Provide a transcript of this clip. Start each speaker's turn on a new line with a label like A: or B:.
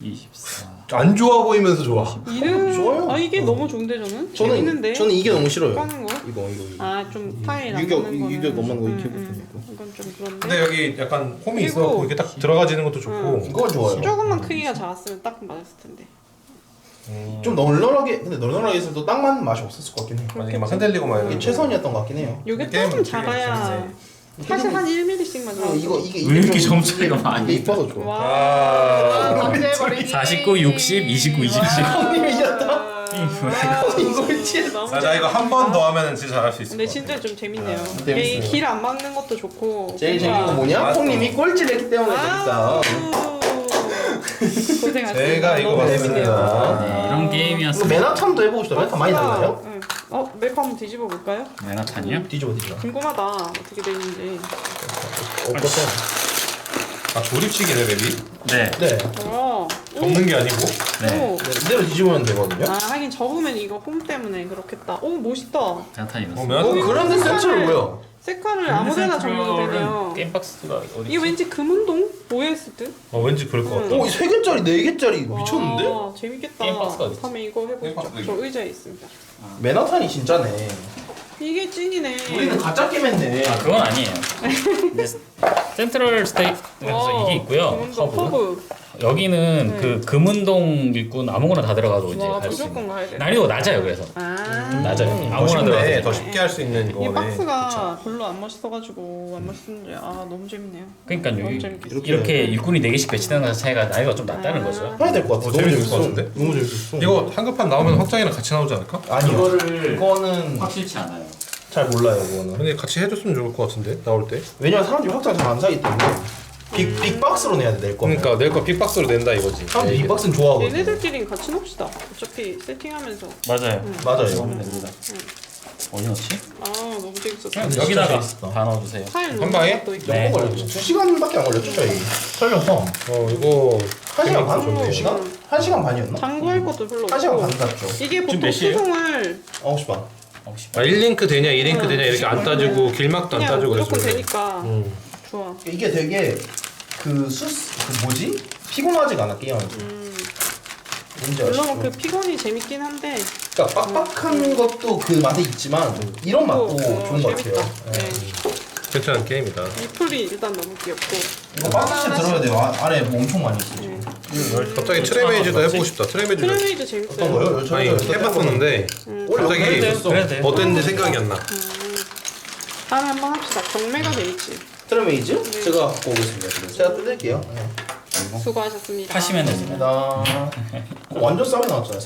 A: 24.
B: 안 좋아 보이면서 좋아.
C: 이름
D: 좋아요.
C: 아 이게 너무 좋은데 저는 재밌는데.
D: 저는 이게 너무 싫어요.
C: 까는 거?
D: 이거.
C: 아좀 타일 안
D: 유격
C: 맞는 거는.
D: 유격 넘는 거 이렇게 붙는 거.
C: 이건 좀 그런데.
B: 근데 여기 약간 홈이
C: 그리고-
B: 있어갖고 이게 딱 들어가지는 것도 좋고.
D: 이거 좋아요.
C: 조금만 크기가 작았으면 딱 맞았을 텐데.
D: 좀 널널하게 근데 널널하게 해서도 딱 맞는 맛이 없었을 것 같긴 해.
B: 만약에 막 흔들리고 막
D: 이게
B: 이런.
D: 최선이었던 것 같긴 해요.
C: 요게
B: 게임은
C: 조금
B: 되게
C: 작아야
B: 재밌네.
C: 사실 한 1mm씩만 작아.
D: 이게
A: 왜 이렇게
D: 좀-
A: 점 차이가 많이
D: 이게 이뻐서 좋아.
C: 와.
B: 아.
C: 감사해버리기.
A: 49, 60, 29, 27.
D: 형님이셨다. 이걸 치.
C: 너무
B: 자 이거 한 번 더 하면은 진짜 잘할 수 있을
C: 근데
B: 것 같아.
C: 진짜 좀 재밌네요.
D: 재밌어요.
C: 길 안 막는 것도 좋고.
D: 제일 재밌는 건 뭐냐?
B: 맞다.
D: 형님이 꼴찌를 했기 때문에 재밌다.
C: 고생하셨습니다.
B: 제가 이거
C: 너무
B: 봤습니다.
C: 재밌네요.
A: 네, 이런
D: 이거
A: 게임이었습니다.
D: 맨하탄도 해보고 싶다. 맨하탄 많이 달라요?
C: 응. 맵 한번 뒤집어 볼까요?
A: 메나탄이요?
D: 뒤집어.
C: 궁금하다. 어떻게 되는지.
D: 없었어.
B: 아 조립식이네 맵이.
A: 네.
D: 네.
C: 와.
B: 접는 게 아니고.
A: 네.
C: 오.
D: 네, 이대로 뒤집으면 되거든요.
C: 아 하긴 접으면 이거 홈 때문에 그렇겠다. 오 멋있다.
A: 메나탄이었어.
B: 보면
D: 그런데 센터를 뭐야?
C: 색깔을 아무데나 접으면 되네요.
A: 게임박스가 어디?
C: 이게 왠지 금운동 모여있을 듯?
B: 왠지 그럴 것 같다.
D: 오, 3개짜리, 4개짜리 미쳤는데?
C: 와 재밌겠다.
A: 게임 박스가 어딨지?
C: 다음에 이거 해보죠.
B: 게임
C: 저 의자에 있습니다.
D: 맨하탄이 진짜네.
C: 이게 찐이네.
D: 우리는 가짜 게임 했네.
A: 아 그건 아니에요. 근데 센트럴 스테이트에서 이게 있고요.
C: 금운동 허브.
A: 여기는
C: 네.
A: 그 금운동 일꾼 아무거나 다 들어가도 이제
C: 와
A: 할 수
C: 무조건
A: 있는.
C: 가야 돼.
A: 난이도가 낮아요. 그래서
C: 아.
A: 낮아요.
B: 더
A: 아무거나
B: 쉽네.
A: 들어가도
B: 더 쉽게 할 수 있는
C: 이
B: 거네.
C: 박스가 별로 안 멋있어가지고 안 멋있는데 아 너무 재밌네요.
A: 그러니까
C: 너무
A: 여기
C: 재밌겠어요.
A: 이렇게 일꾼이 4개씩 배치되는 것 차이가 난이도가 좀 낮다는 거죠.
D: 해야 될 것 같아.
B: 어,
D: 너무
B: 재밌을
D: 재밌어.
B: 것 같은데?
D: 너무 재밌었어.
B: 이거 한급판 나오면 확장이랑 같이 나오지 않을까?
D: 아니요.
A: 그거를
D: 그거는
A: 확실치 않아요.
D: 잘 몰라요, 그거는.
B: 근데 같이 해줬으면 좋을 것 같은데 나올 때.
D: 왜냐면 사람들이 확장 잘 안 사기 때문에. 빅박스로 내야 돼, 낼 거면.
B: 그러니까 내 거 빅박스로 낸다 이거지.
D: 사람들이 빅박스는 좋아하거든.
C: 얘네들끼리 같이 놉시다. 어차피 세팅하면서.
A: 맞아요.
D: 맞아요.
A: 넣으면 됩니다. 어디 넣지?
C: 아 너무 재밌었어.
A: 그냥
D: 진짜
A: 여기다가
D: 재밌었다.
A: 다 넣어주세요.
C: 파일
B: 한 방에?
C: 또 있고.
A: 네.
D: 몇 번 걸렸죠? 2시간밖에 안 걸렸죠, 저희. 설명서.
B: 이거
D: 1시간 반?
B: 좋네.
D: 2시간? 1시간 반이었나?
C: 장구할 것도 별로
D: 1시간 반
C: 없고.
D: 땄죠.
C: 이게
A: 지금
C: 보통
A: 몇 시에요?
C: 수송을
D: 9시 반.
B: 아 1링크 되냐 2링크 되냐 이렇게 안 따지고 길막도 안
C: 그냥
B: 따지고
C: 무조건
B: 그래서.
C: 되니까 좋아.
D: 이게 되게 그 뭐지? 피곤하지가 않아, 게임하면서. 뭔지 아시죠?
C: 물론 그 피곤이 재밌긴 한데
D: 그러니까 빡빡한 것도 그 맛이 있지만 이런 맛도 좋은 것
C: 재밌다.
D: 같아요.
C: 네.
B: 괜찮은 게임이다.
C: 이 풀이 일단 너무 귀엽고.
D: 이거 박스째 들어야 돼요. 안에 뭐 엄청 많이 있어 지금.
B: 갑자기 트레메이즈도 해보고 싶다. 트레메이즈
C: 트레메이드
D: 어떤
C: 재밌어요.
D: 거요?
B: 아니 해봤었는데
D: 원래
B: 갑자기
D: 그랬어.
A: 그래도 돼요.
B: 어땠는지 생각이 안 나.
C: 다음에 한번 합시다. 경매가 재밌지.
D: 트레메이즈? 제가 갖고 오겠습니다. 지금. 제가 뜯을게요. 네.
C: 수고하셨습니다.
A: 파시면 됩니다.
D: 나 완전 싸게 나왔잖아요.